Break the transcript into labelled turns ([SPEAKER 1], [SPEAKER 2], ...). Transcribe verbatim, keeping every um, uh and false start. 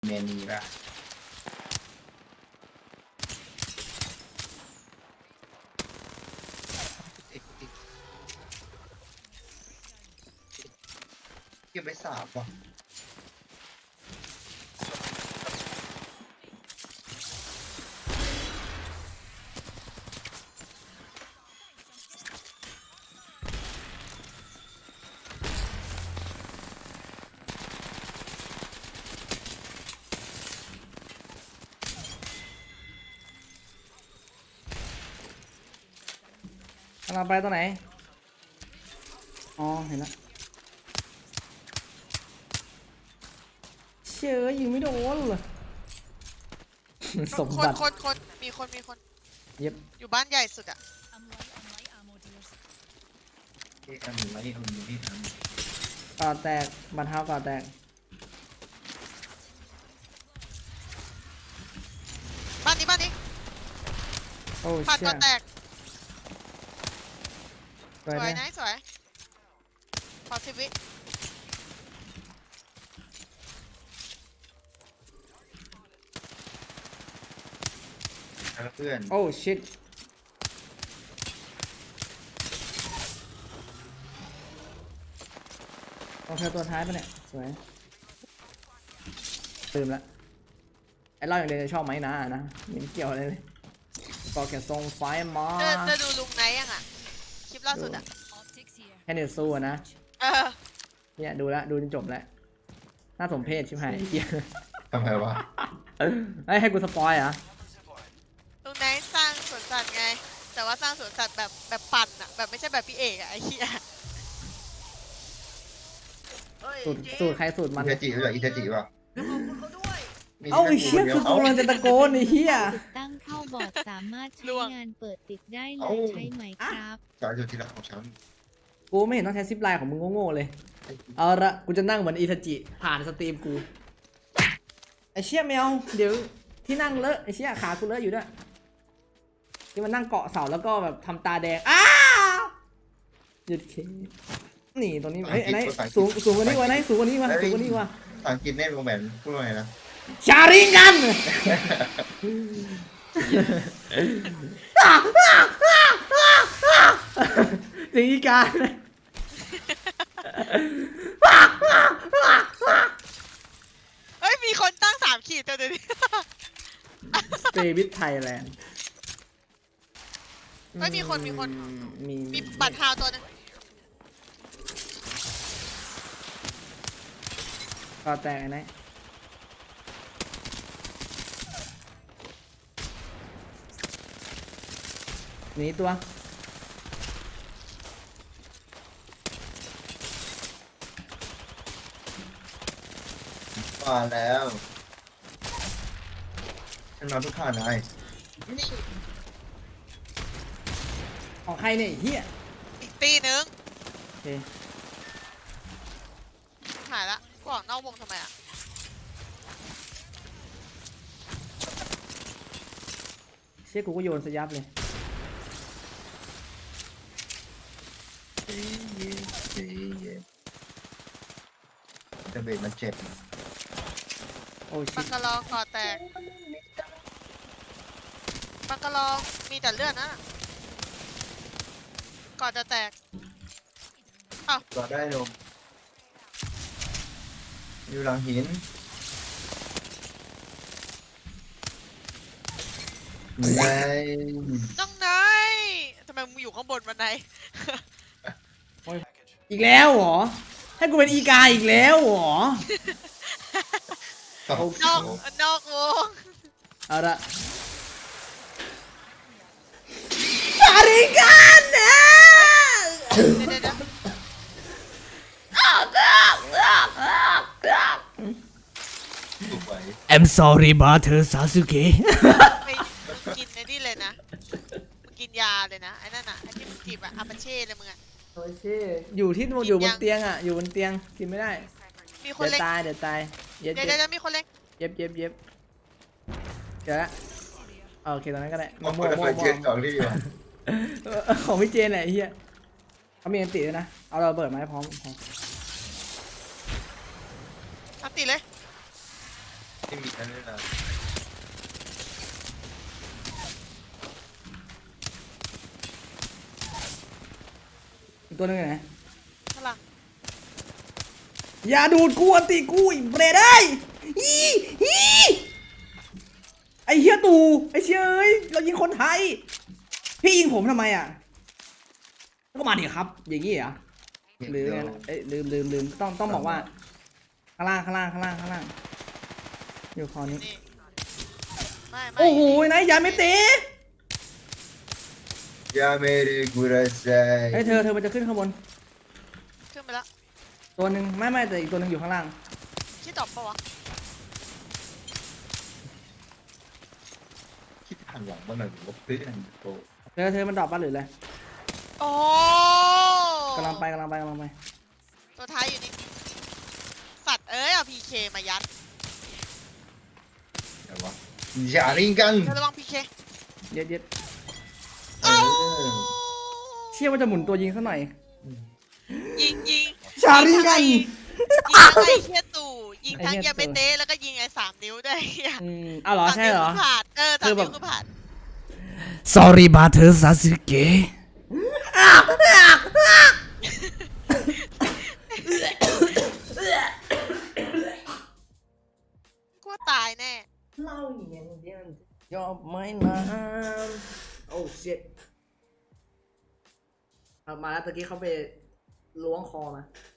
[SPEAKER 1] เมนีป่ะเก็บไปสามป่ะ
[SPEAKER 2] กำลังไปตัวไหนอ๋อเห็นแล้วเชื่อยิงไม่โดนเลยสม
[SPEAKER 3] ค
[SPEAKER 2] บั
[SPEAKER 3] น
[SPEAKER 2] ติ
[SPEAKER 3] คนคนมีคนมีคน
[SPEAKER 2] เย็บ
[SPEAKER 3] อยู่บ้านใหญ่สุดอะ
[SPEAKER 1] เอ๊ะอันนี้ไม่ได้อันนี้ที่ท
[SPEAKER 2] ก่อแตกบันเท้าก่อแตก
[SPEAKER 3] บ้านนี้บ้านนี้
[SPEAKER 2] โอ้
[SPEAKER 3] ผ่าน
[SPEAKER 2] เชี่
[SPEAKER 3] ก่
[SPEAKER 2] ย
[SPEAKER 3] อนแตก
[SPEAKER 2] สวย
[SPEAKER 3] สวย
[SPEAKER 2] นะ
[SPEAKER 3] นะสวยขอสิบวิ
[SPEAKER 1] ำแล้วเพื่อน
[SPEAKER 2] โอ้ชิตโอเคตัวท้ายปะเนี่ยสวยตื่นละไอ้เล่าอย่างเดียวจะชอบไหมนะนะไม่เกี่ยวอะไรเลยก็แค่ส่งไฟมา
[SPEAKER 3] เธอเธอดูลุงไนท์ยังอะคลิปล่าสุดอะ
[SPEAKER 2] แค่เนื้อสู้อะนะ
[SPEAKER 3] เออ
[SPEAKER 2] เนี่ยดูแลวดูจนจบแล้วน่าสมเพชชิบหายเหี้ย
[SPEAKER 1] ทำไมวะ
[SPEAKER 2] เอ้ยให้กูสปอยเหรอ่ะ
[SPEAKER 3] ลุงไนท์สร้างสวนสัตว์ไง แต่ว่าสร้างสวนสัตว์แบบแบบปั่นอะแบบไม่ใช่แบบพี่เอกอะไอ้เหี้ย
[SPEAKER 2] สูตรสูตรใครสูตร
[SPEAKER 1] อิ
[SPEAKER 2] มัน
[SPEAKER 1] เทจิรู้จักอิเทจิป่ะมี
[SPEAKER 2] เอ้า
[SPEAKER 1] แค่
[SPEAKER 2] ไอ้เชี่ย
[SPEAKER 1] ดี
[SPEAKER 2] คือ
[SPEAKER 1] ว
[SPEAKER 2] กูกำลังจะตะโกนไอ้เหี้ย
[SPEAKER 4] ติดตั้งเข้าบอร์ดสามารถใช้งานเปิดติดได้เลยใช่ไหมครับ
[SPEAKER 1] สายสุดที่รักของฉัน
[SPEAKER 2] กูไม่เห็นต้องใช้ซิปไลน์ของมึงโง่ๆเลยเอาละกูจะนั่งเหมือนอิทาจิผ่านสตรีมกูไอ้เชี่ยแมวเดี๋ยวที่นั่งเลอะไอ้เชี่ยขากูเลอะอยู่ด้วยที่มันนั่งเกาะเสาแล้วก็แบบทำตาแดงอ้าวหยุดเคนี่ตัวนี้เฮ้ยไอ้ไหนสูงสูงกว่านี้วะไหนสูงกว่านี้วะสูงกว่านี้วะ
[SPEAKER 1] ภาษาอังกฤษเน่โรแมนพูดว่าไงนะ
[SPEAKER 2] ชาริกันสีกา
[SPEAKER 3] เฮ้ยมีคนตั้งสามขีดตัวเดียวนี้
[SPEAKER 2] สเตวิทไทยแลนด์
[SPEAKER 3] เฮ้ยมีคนมีคน
[SPEAKER 2] มี
[SPEAKER 3] มีบัตรฮาวตัวหนึง
[SPEAKER 2] ก็แตกไอ้ไหนหนีตัว
[SPEAKER 1] มาแล้วฉันนอนทุกข้านาย
[SPEAKER 2] ของใครเนี่ยไอ้เฮีย
[SPEAKER 3] อีกตีหนึง
[SPEAKER 2] โอเค
[SPEAKER 3] หายละกูออกนอกวงทำไมอะ
[SPEAKER 2] เชี่ยกูก็โยนสยับเลย
[SPEAKER 1] แต่เบรมันเจ็บ
[SPEAKER 2] โอ้ชิ
[SPEAKER 3] บังกะลองก่อแตกบังกะลองมีแต่เลือดนะก่อนจะแตก
[SPEAKER 1] ก็ได้ลงอยู่หลังหินไง
[SPEAKER 3] น้องนายทำไมมึงอยู่ข้างบนวันไหน
[SPEAKER 2] อีกแล้วเหรอให้กูเป็นอีกาอีกแล้วเหรอ
[SPEAKER 1] โอ้โห
[SPEAKER 3] นอกนอกวง
[SPEAKER 2] เอาละชาริกันนะ
[SPEAKER 3] เดี๋ยวเดี๋ยวเดี๋ยว
[SPEAKER 1] ถูกไว้
[SPEAKER 2] I'm sorry brother Sasuke
[SPEAKER 3] ไปมึงกินไอ้นี่เลยนะมึงกินยาเลยนะไอ้นั่นน่ะไอ้ที่มึงจีบอะอาปาเช่เลยมึงอะ
[SPEAKER 2] โอ้ชิอยู่ที่อยู่บนเตียงอ่ะอยู่บนเตียงกินไม่ได้
[SPEAKER 3] มีคน
[SPEAKER 2] เดี๋ยว
[SPEAKER 3] เล็ง
[SPEAKER 2] ตายเดี๋ยวตายเย็บ
[SPEAKER 3] เดี๋ยว
[SPEAKER 2] เย็
[SPEAKER 3] เดี๋ยว
[SPEAKER 2] บ
[SPEAKER 3] เดี๋ยวมีคนเล็ง
[SPEAKER 2] เย็บเย็บเย็บเจอละโอเคตรงนั้นก็ได้
[SPEAKER 1] มอง
[SPEAKER 2] มั่ว
[SPEAKER 1] คน
[SPEAKER 2] มั่ว
[SPEAKER 1] ละ
[SPEAKER 2] มั่
[SPEAKER 1] เจ็ดส
[SPEAKER 2] ว
[SPEAKER 1] องที่วะ
[SPEAKER 2] เออของพี่เจนแหละไอ้เฮียเขามีอันติด้วยนะเอาเราเปิดมาให้พร้อมพร้อม
[SPEAKER 3] อันติเลย
[SPEAKER 1] ไม่มีนั่นเลยนะ
[SPEAKER 2] อีกตัวหนึงอยู่ไหน
[SPEAKER 3] พลัง
[SPEAKER 2] อย่าดูดกูอันติกูอีเบรดได้อีอีไอเฮียตู่ไอเชยเอ้ยเรายิงคนไทย พี่ยิงผมทำไมอ่ะก็มาดิครับ อย่างงี้เหรอหรือไงนะเอ้ยลืมลืมลืมต้องต้องบอกว่าข้างล่างข้างล่างข้างล่างข้างล่างอยู่คอนี้
[SPEAKER 3] นี่ไม่ไม่
[SPEAKER 2] โอ้โหนายยาไม่เตะ
[SPEAKER 1] ยาเมริกุระไซ
[SPEAKER 2] ไอยเธอเธอมันจะขึ้นข้างบน
[SPEAKER 3] ขึ้นไปแล้ว
[SPEAKER 2] ตัวหนึ่งไม่ไม่แต่อีกตัวหนึ่งอยู่ข้างล่าง
[SPEAKER 3] ชื่อตอบปะวะ
[SPEAKER 1] คิดทางหลังมันหน่อยว่าเพื่อนโต
[SPEAKER 2] เธอเธอมันดรอปปะหรืออะไร
[SPEAKER 3] โอ้
[SPEAKER 2] กำลังไปกำลังไปกำลังไป
[SPEAKER 3] ตัวท้ายอยู่นี่สัตว์เอ้ยเอาพีเคมายัด
[SPEAKER 1] แต่ว่าอย่าลิงกัน
[SPEAKER 3] เธอระวังพีเค
[SPEAKER 2] เย็ดเย็ด
[SPEAKER 1] เออ
[SPEAKER 2] เชื่อว่าจะหมุนตัวยิงซะหน่อย
[SPEAKER 3] ยิงยิง
[SPEAKER 2] ชาริกัน
[SPEAKER 3] ยิงทั้งไอ้เฮียตู่ยิงทั้ง
[SPEAKER 2] ไอ้เหี้ย
[SPEAKER 3] ยาเมเต้แล้วก็ยิงไอ้สามนิ้วด้วยเหี้ย
[SPEAKER 2] อืมอ้าวเหรอใช่เหรอ
[SPEAKER 3] สามนิ้วคือผ่านเออสาม
[SPEAKER 2] คือแบบ
[SPEAKER 3] นิ้วคือผ่าน
[SPEAKER 2] sorry บาเธอซาสึเกะ
[SPEAKER 3] กลัวตายแน่
[SPEAKER 2] เล่าอย่างเดียวยอมไม่นานโอ้ shit เอามาแล้วตะกี้เขาไปล้วงคอมา